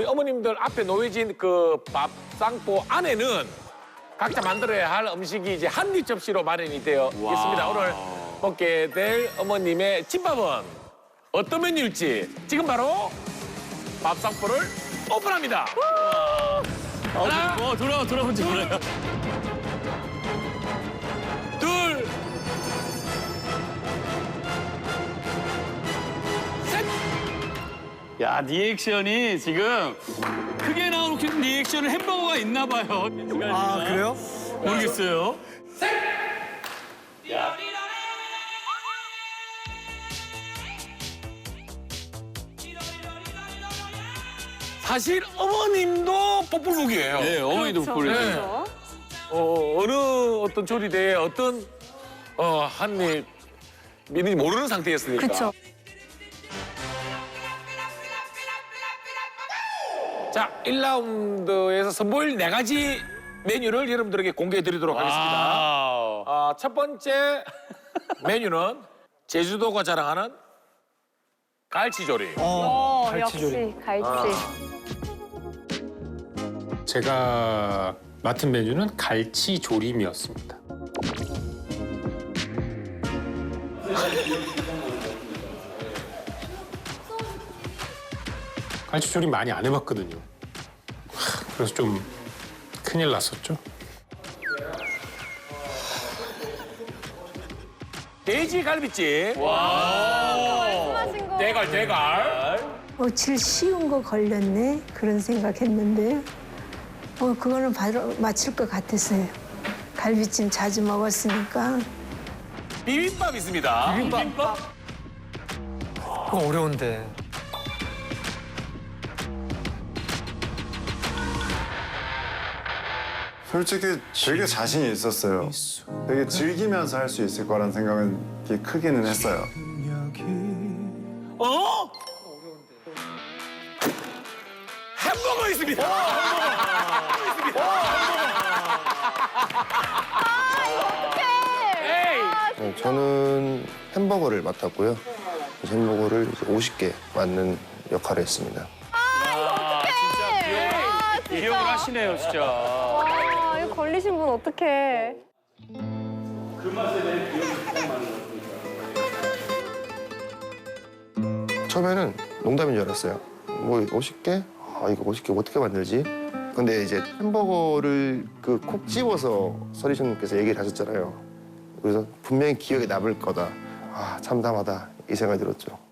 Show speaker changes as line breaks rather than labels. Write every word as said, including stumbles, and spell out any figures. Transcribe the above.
우리 어머님들 앞에 놓여진 그 밥상포 안에는 각자 만들어야 할 음식이 이제 한입 접시로 마련이 되어 있습니다. 오늘 먹게 될 어머님의 집밥은 어떤 메뉴일지 지금 바로 밥상포를 오픈합니다. 하나,
어, 돌아와, 돌아온지 몰라요.
둘, 셋.
야, 리액션이 지금 크게 나오는 리액션은 햄버거가 있나 봐요.
아, 그래요?
모르겠어요.
사실 어머님도 뽀뽀북이에요.
네, 어머니도
그렇죠.
보내요.
네. 어, 어느 어떤 조리대에 어떤 어, 한입 있는지 모르는 상태였으니까.
그렇죠.
자, 일 라운드에서 선보일 네 가지 메뉴를 여러분들에게 공개해 드리도록 하겠습니다.
와우.
아, 첫 번째 메뉴는 제주도가 자랑하는 갈치조림.
어,
갈치조림.
역시 갈치.
제가 맡은 메뉴는 갈치 조림이었습니다. 갈치 조림 많이 안 해봤거든요. 하, 그래서 좀 큰일 났었죠.
돼지 갈비찜.
말씀하신 거.
대갈, 대갈.
어, 제일 쉬운 거 걸렸네 그런 생각했는데 어, 그거는 바로 맞출 것 같았어요. 갈비찜 자주 먹었으니까.
비빔밥 있습니다.
비빔밥?
그거 어려운데.
솔직히 되게 자신이 있었어요. 되게 즐기면서 할 수 있을 거란 생각은 되게 크기는 했어요.
어? 햄버거 있습니다. 에이.
네, 저는 햄버거를 맡았고요. 햄버거를 이제 오십 개 맡는 역할을 했습니다.
아,
기억을 하시네요, 진짜.
와, 이거 걸리신 분 어떡해.
처음에는 농담인 줄 알았어요. 뭐 오십 개? 아, 이거 오십 개 어떻게 만들지? 근데 이제 햄버거를 그 콕 집어서 서리션님께서 얘기를 하셨잖아요. 그래서 분명히 기억에 남을 거다. 아, 참담하다. 이 생각이 들었죠.